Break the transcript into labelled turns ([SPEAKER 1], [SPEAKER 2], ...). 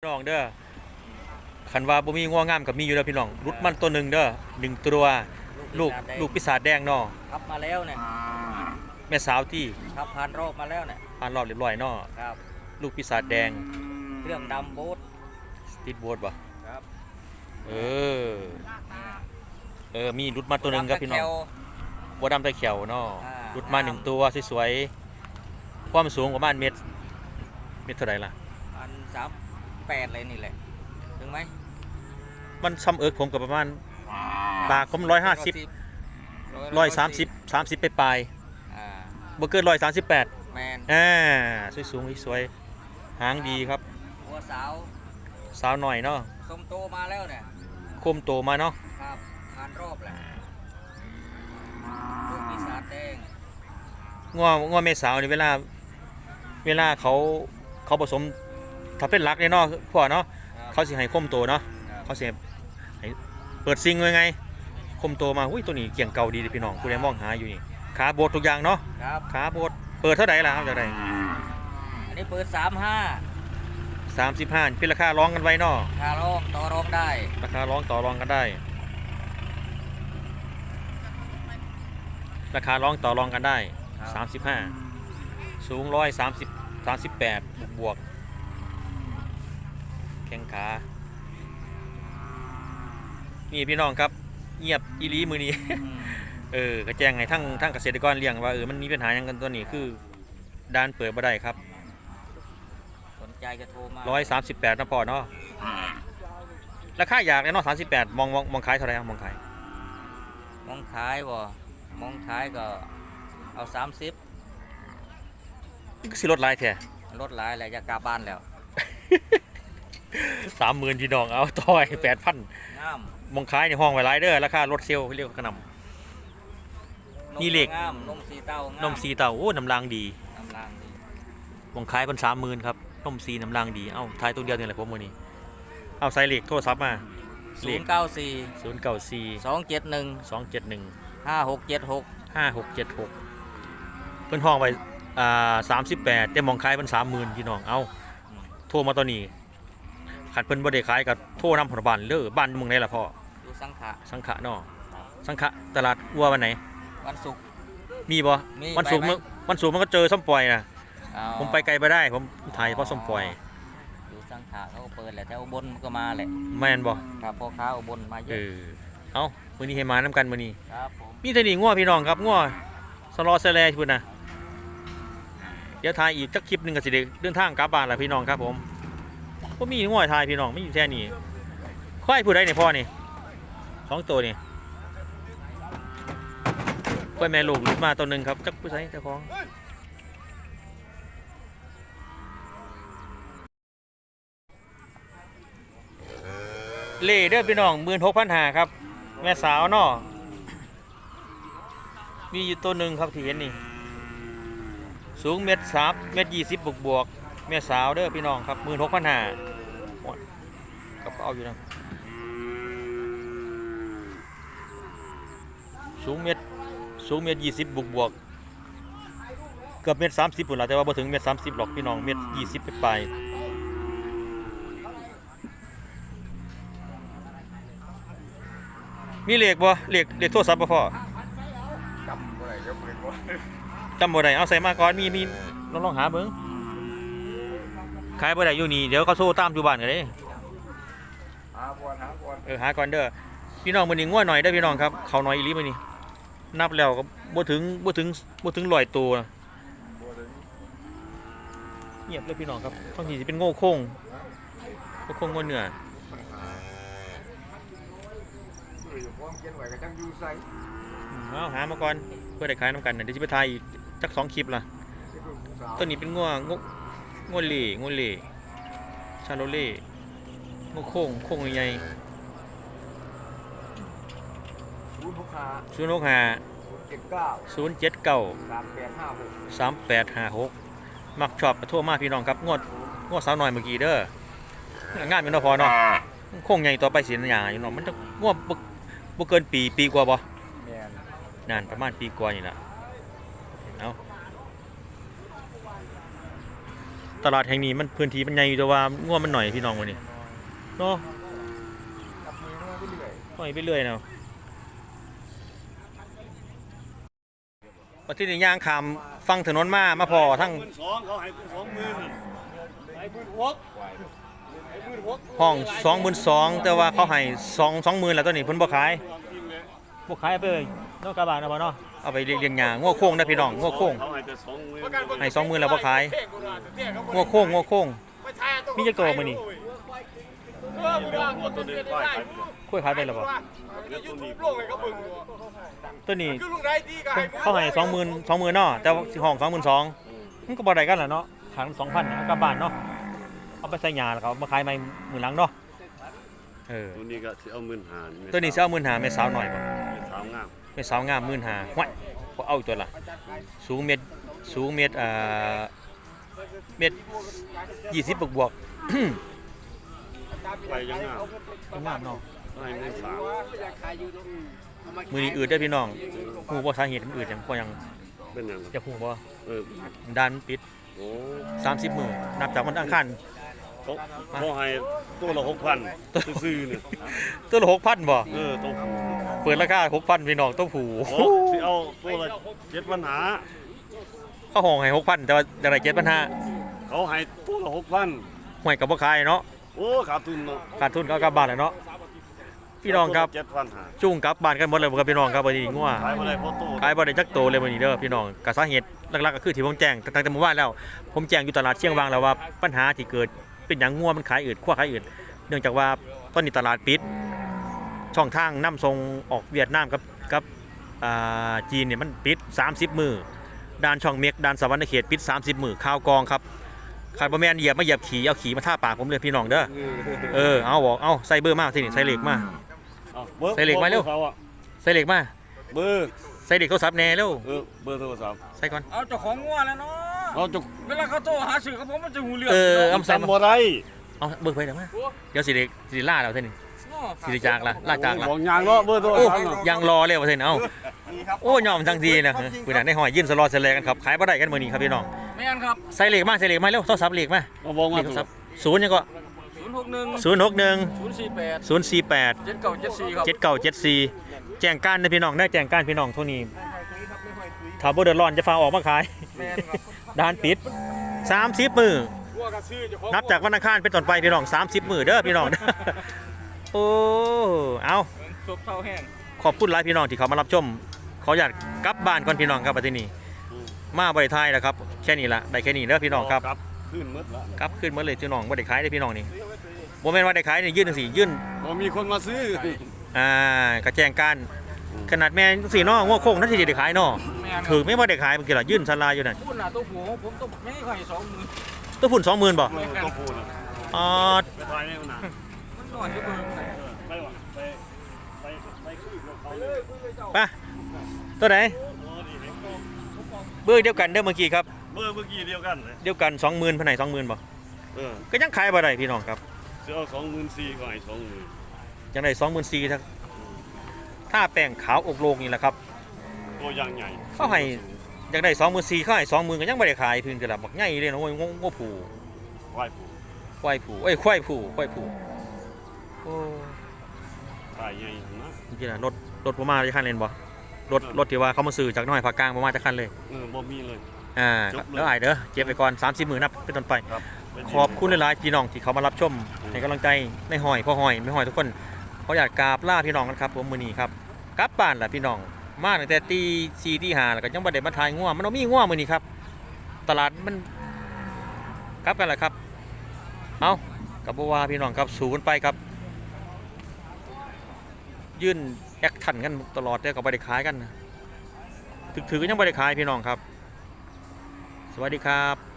[SPEAKER 1] พี่น้องเด้อคันว่าบ่มีงัวงามกับมีอยู่เด้อพี่น้องรุดมันตัวหนึ่งเด้อ1 ตัวลูกปีศาจแดงเนาะ
[SPEAKER 2] ครับมาแล้วเนี่ย
[SPEAKER 1] แม่สาวที่
[SPEAKER 2] ครับผ่านรอบมาแล้วเนี่ย
[SPEAKER 1] ผ่านรอบเรียบร้อยเนาะ
[SPEAKER 2] ครับ
[SPEAKER 1] ลูกปีศาจแดง
[SPEAKER 2] เครื่องดำโบ๊ท
[SPEAKER 1] สตีทโบ๊ทบ่
[SPEAKER 2] ครับ
[SPEAKER 1] เออมีรุดมาตัวหนึ่งครับพี่น้องบัวดำไตเขียวเนาะรุดมา1 ตัวสวยๆความสูงประมาณเมตรเท่าไหร่ล่ะ
[SPEAKER 2] 38เลยนี่แหละถึงไหม
[SPEAKER 1] มันซ้ำเอิกผมกับประมาณปากผม150 130 ไปปลายบ่เกิน138
[SPEAKER 2] แมน
[SPEAKER 1] สวยๆสวยหางดีครับ
[SPEAKER 2] หัว
[SPEAKER 1] สาวหน่อยเนาะ
[SPEAKER 2] สมโตมาแล้วเนี่ย
[SPEAKER 1] คมโตมาเนาะ
[SPEAKER 2] ครับผ่านรอบแหละลูกปีศาจแดง
[SPEAKER 1] งัวแม่สาวนี่เวลาเขาผสมถ้าเป็นรักเนี่ยเนาะพ่อเนาะเขาสิให้คมโตเนาะเขาสิให้เปิดซิงไงคมโตมาอุ้ยตัวนี้เกี่ยงเก่าดีพี่น้องผู้ใดมองหาอยู่นี่ขาโบดทุกอย่างเนาะขาโบดเปิดเท่าไหร่ล่ะครับจากไหน
[SPEAKER 2] อันนี้เปิด
[SPEAKER 1] 35เป็นราคาร้องกันไว้เนาะ
[SPEAKER 2] ราคาร้องต่อรองได้
[SPEAKER 1] ราคาร้องต่อรองกันได้ราคาร้องต่อรองกันได้35สูง138บวกแข้งขานี่พี่น้องครับเงียบอีหลีมือนี้กระแจงให้ทั้งเกษตรกรเลี้ยงว่ามันมีปัญหาอย่างกันตัวนี้คือด้านเปิดบ่ได้ครับ
[SPEAKER 2] สนใจจะโทรมา
[SPEAKER 1] 138นะพ่อเนาะราคาอยากเลยเนาะ38มองขายเท่าไหร่มองขาย
[SPEAKER 2] บ่มองขายก็เอา30
[SPEAKER 1] ก็สิลดหลายแท้
[SPEAKER 2] ลดหลายแล้วจะกลับบ้านแล้ว
[SPEAKER 1] 30,000พี่น้องเอาต่อย 8,000
[SPEAKER 2] งาม
[SPEAKER 1] มองขายในห้องไว้หลายเด้อราคารถเซลล์เรียกกระนำนี่เหล็ก
[SPEAKER 2] นมสีเต้
[SPEAKER 1] าโอ้น้ำรางดีมองขายเป็น30,000ครับนมสีน้ำรางดีเอ้าทายตัวเดียวนี่แหละผมมื้อนี้เอาใส่เหล็กโทรศัพท์มา
[SPEAKER 2] 094 271 5676
[SPEAKER 1] เพิ่นห้องไว้38แต่มองขายเป็น30,000พี่น้องเอาโทรมาตอนนี้ขัดเพิ่นบ่ได้ขายกับโทรนำผลบ้านเด้อบ้านเมืองไหนล่ะพ่อ
[SPEAKER 2] อยู่สังขะ
[SPEAKER 1] เนาะสังขะตลาดวัววันไหน
[SPEAKER 2] วันศุกร์
[SPEAKER 1] มีบ่วันศุกร์มันก็เจอส้มปล่อยนะผมไปไกลไปได้ผมถ่ายเพราะส้มปล่อย
[SPEAKER 2] อยู่สังขะเขาก็เปิดแหละแถวอุบลก็มาแหละ
[SPEAKER 1] แม่นบ่
[SPEAKER 2] ครับพ่อค้าอุบลมาเยอะ
[SPEAKER 1] เอ้ามื้อนี้ให้มานํกันมื้อนี้
[SPEAKER 2] ครับผม
[SPEAKER 1] มีแต่นี่งัวพี่น้องครับงัวสลอแสแลพุ่นน่ะเดี๋ยวถ่ายอีกสักคลิปนึงก็สิได้เดินทางกลับบ้านล่ะพี่น้องครับผมก็มีงัวถ่ายพี่น้องไม่อยู่แค่นี้ควายผู้ใดเนี่ยพ่อนี่2 ตัวนี่ควายแม่ลูกลุดมาตัวหนึ่งครับจักผู้ใดเจ้าของเล่เด้อพี่น้อง16,500ครับแม่สาวเนาะมีอยู่ตัวหนึ่งครับที่เห็นนี่สูง1.3 1.20บวกแม่สาวเด้อพี่น้องครับ16,500กับเอาอยู่นะสูงเมตร20บวกเกือบ1.30ปุ่นละแต่ว่าบ่ถึง1.30หรอกพี่น้อง1.20ไปมีเลขบ่เลขโทรศัพท์บ่พ่อจำบ่ได้เอาใส่มาก่อนมีลองหาเบิ่งขายบ่ได้อยู่นี่เดี๋ยวเขาโทรตามอยู่บ้านกันเด้หาก่อนเด้อพี่น้องมื้อนี้งัวหน่อยเด้อพี่น้องครับเขาหน่อยอีหลีมื้อนี้นับแล้วก็บ่ถึง100ตัวเงียบเลยพี่น้องครับบางทีสิเป็นโง่โค้งโง่เนื้อเอาหามาก่อนเพื่อได้ขายน้ำกันเดี๋ยวจะไปถ่ายอีกจัก2 คลิปล่ะตัวนี้เป็นงัวเล่ชาโลเล่โค้งใหญ่0693856มักชอบทั่วมาพี่น้องครับงวดสาวหน่อยเมื่อกี้เด้องานเป็นพอเนาะโค้งใหญ่ต่อไปสิหยาอยู่เนาะมันจะงวดบ่เกินปีกว่าบ่นานประมาณปีกว่านี่ล่ะเอาตลาดแห่งนี้มันพื้นที่มันใหญ่อยู่แต่ว่างัวมันหน่อยพี่น้องวันนี้เนาะ
[SPEAKER 2] กับมือมาเรื่อย
[SPEAKER 1] หน่อยไปเรื่อยเนาะวันที่นี่ย่างขามฟังถนนมาพอทั้ง
[SPEAKER 3] 12,000เขาให้20,000ให้16,000
[SPEAKER 1] ห้อง22,000แต่ว่าเขาให้20,000แล้วตัวนี้เพิ่นบ่ขายบ่ขายไปเลยเนาะกระบะเนาะบ่เนาะเอาไปเลี้ยงหญ้างัวโค้งนะพี่น้องงัวโค้ง
[SPEAKER 3] เขาให้แต่20,000
[SPEAKER 1] ให้20,000แล้วบ่ขายงัวโค้งมีจักตัวมื้อนี้
[SPEAKER 3] ตัวนึงป้ายขาย
[SPEAKER 1] คุยขายไปแล้วบ่
[SPEAKER 3] ตัวนี้
[SPEAKER 1] ตัวนี้เขาให้20,000เนาะแต่ว่าสิห้อง22,000มันก็บ่ได้กันล่ะเนาะขาย2,000เอากลับบ้านเนาะเอาไปใส่หญ้าแล้วเขามาขายใหม่มื้อหลังเนาะ
[SPEAKER 3] ตัวนี้ก็สิเอา15,000
[SPEAKER 1] ตัวนี้สิเอา15,000แม่สาวหน่อยบ่
[SPEAKER 3] สาวงาม
[SPEAKER 1] แม่สาวงาม15,000ห้วยบ่เอาตัวละสูงเมตรเมตร20บวก
[SPEAKER 3] ไปยังงาม
[SPEAKER 1] งามเนาะ
[SPEAKER 3] ให้เงิน3
[SPEAKER 1] มือนี้อืดได้อพี่น้องฮู้บ่สาเหตุมันอืดหยังบ่ยัง
[SPEAKER 3] เป็นหยัง
[SPEAKER 1] จะฮู้บ่
[SPEAKER 3] ดัน
[SPEAKER 1] ด้านปิด
[SPEAKER 3] โอ้
[SPEAKER 1] 30มื้อนับจากวันอังคาร
[SPEAKER 3] เขาให้ตัวละ6,000ซื่อๆเนี่ย
[SPEAKER 1] ตัวละ 6,000 บ่
[SPEAKER 3] ตัว
[SPEAKER 1] เปิดราคา 6,000 พี่น้องตัวผู้
[SPEAKER 3] โอ้สิเอาตัวละ7,500
[SPEAKER 1] เขาห้องให้ 6,000 แต่ว่าได้7,500
[SPEAKER 3] เขาให้ตัวละ6,000
[SPEAKER 1] ห้วยก็บ่ขายเนาะ
[SPEAKER 3] โอ้ขาดทุนเนาะ
[SPEAKER 1] ขาดทุนก็กลับบ้านแล้วเนาะพี่น้องครับ
[SPEAKER 3] 7,500
[SPEAKER 1] จุ้งกลับบ้านกันหมดเลยบ่ครับพี่น้องครับวันนี้งัว
[SPEAKER 3] ขายบ่ได้เพราะโต
[SPEAKER 1] ขายบ่ได้จักโตเลยมื้อนี้เด้อพี่น้องก็สาเหตุหลักๆก็คือที่ผมแจ้งตั้งแต่เมื่อวานแล้ว ผมแจ้งอยู่ตลาดเชียงวางแล้วว่าปัญหาที่เกิดเป็นหยังงัวมันขายอืดขั้วขายอืดเนื่องจากว่าตอนนี้ตลาดปิดช่องทางนำส่งออกเวียดนามกับจีนเนี่ยมันปิด30มื้อด้านช่องเม็กด้านสวรรค์เขตปิด30มื้อข่าวกองครับขายบ่แม่นเหยียบขี่เอาขี่มาท่าปากผมเลยพี่น้องเด้อเอาบอกเอาใส่เบอร์มาสินี่ใส่เหล็กมา ใส่เหล็กมาเร็ว ใส่เหล็กมา
[SPEAKER 3] เบอร์
[SPEAKER 1] ใส่เหล็กโทรศัพท์แน่เร็ว
[SPEAKER 3] เบอร์โทรศัพท์
[SPEAKER 1] ใส่ก่อน
[SPEAKER 2] เอาเจ้าของงัวแล้วเนาะ
[SPEAKER 3] เราจะ
[SPEAKER 2] เวลาเขาโทรหาสื่อเขาผมมันจะหูเรื่อง
[SPEAKER 1] เอาใส่มา
[SPEAKER 3] จำบ่ได้
[SPEAKER 1] เอาเบอร์ไปเดี๋ยวมาเดี๋ยวสิล่าเราเท่านี้สิจากละล่าจากละ
[SPEAKER 3] บอกยางเนาะเบอร์โทร
[SPEAKER 1] โอ้
[SPEAKER 3] ศัพท์เนาะ
[SPEAKER 1] ยังรอเลยว่าเท่านี้เอาโอ้ยอมทั้งทีนะปืนได้หอยยื่นสลอเสลกันครับขายบ่ได้กันมื้อนี้ครับพี่น้อง
[SPEAKER 2] แม่นครับ
[SPEAKER 1] ใส่เหล็กมาเร็วโทรศัพท์เหล็กมา
[SPEAKER 3] เราบอก
[SPEAKER 1] เห
[SPEAKER 3] มา
[SPEAKER 1] ล็กโทรศัพท์0ยังก็
[SPEAKER 2] 061
[SPEAKER 1] 061
[SPEAKER 2] 048
[SPEAKER 1] 048
[SPEAKER 2] 7974ครับ
[SPEAKER 1] 7974แจ้งการนะพี่น้องได้แจ้งการพี่น้องเท่านี้ถ้าบ่เดือดร้อนจะฟ้าออกมาขาย
[SPEAKER 2] แม่นครับ
[SPEAKER 1] ด้านปิด30มื้อนับจากวันอังคารเป็นต้นไปพี่น้อง30มื้อเด้อพี่น้อง โอ้เอา
[SPEAKER 2] ศพเท่าแห้ง
[SPEAKER 1] ขอบคุณหลายพี่น้องที่เขามารับชมขออยากกลับบ้านก่อนพี่น้องครับประเทศนี้มาบริไทยแล้วครับแค่นี้ละได้แค่นี้เด้อพี่น้องครับ
[SPEAKER 3] ขึ้นหมดละ
[SPEAKER 1] กลับขึ้นมาเลยพี่น้องบ่ได้ขายได้อพี่น้องนี่บ่แม่นว่าได้ขายนี่ยื่นจังซี่ยื่น
[SPEAKER 3] บ่มีคนมาซื้อก
[SPEAKER 1] ระแจงการขนาดแม่จังซี่เนาะงัวโค้งนั่นสิได้ขายเนาะ
[SPEAKER 2] แม่น
[SPEAKER 1] ถือไม่บ่ได้ขายเมื่อกี้ล่ะยื่นศาลาอยู่นั่น
[SPEAKER 2] พูดหน้าตัวหัวผมต้องไม่ให้ใคร20,000
[SPEAKER 1] ตัวพุ่น 20,000บ่
[SPEAKER 3] ต้องพูดนะ
[SPEAKER 1] อ๋อ
[SPEAKER 3] ไปทายในหนา
[SPEAKER 2] มันหน่อยก็เบิ่ง
[SPEAKER 3] ไปวะไปคุยกับเขาเลย
[SPEAKER 1] ไปตัวไหนเบอร์เดียวกันเด้อเมื่อกี้ครับ
[SPEAKER 3] เบอร์เมื่อกี้เดียวกันเลย
[SPEAKER 1] เดียวกัน 20,000ภายใน 20,000บ่ ก็ยังขายบ่ได้พี่น้องครับ
[SPEAKER 3] จะเอา24,000ก็ให้20,000
[SPEAKER 1] ยังได้24,000ถ้าแป้งขาวอกโลกนี่แหละครับ
[SPEAKER 3] ตัวอย่างใหญ่
[SPEAKER 1] เขาให้อยากได้24,000เขาให้20,000ก็ยังบ่ได้ขายเพิ่นก็ล่ะบักใหญ่เลยเนาะโอ้ยงอผู
[SPEAKER 3] ไหว้ผู้
[SPEAKER 1] ควายผูควายผูโอ้
[SPEAKER 3] ตายใหญ่นะ
[SPEAKER 1] จริงๆน่ะรถบ่มาจะคันเล่นบ่รถที่ว่าเขามาซื้อจากน้อยภาคกลางบ่มาจะคันเลย
[SPEAKER 3] บ่มีเลย จบเลย
[SPEAKER 1] แล้วอ้ายเด้อเก็บไว้ก่อน30,000นับเป็นต้นไป
[SPEAKER 3] ครับ
[SPEAKER 1] ขอบคุณหลายๆพี่น้องที่เขามารับชมให้กำลังใจในหอยพ่อหอยไม่หอยทุกคนเขาอยากกราบลาพี่น้องกันครับผมมื้อนี้ครับกลับบ้านล่ะพี่น้องมาตั้งแต่ตี4ตี5แล้วก็ยังบ่ได้มาถ่ายงัวมันบ่มีงัวมื้อนี้ครับ ตลาดมันกลับกันล่ะครับเอากับบ่ว่าพี่น้องครับสู้กันไปครับ ยื่นแอคชั่นกันตลอดเด้อก็บ่ได้ขายกันถือก็ยังบ่ได้ขายพี่น้องครับ สวัสดีครับ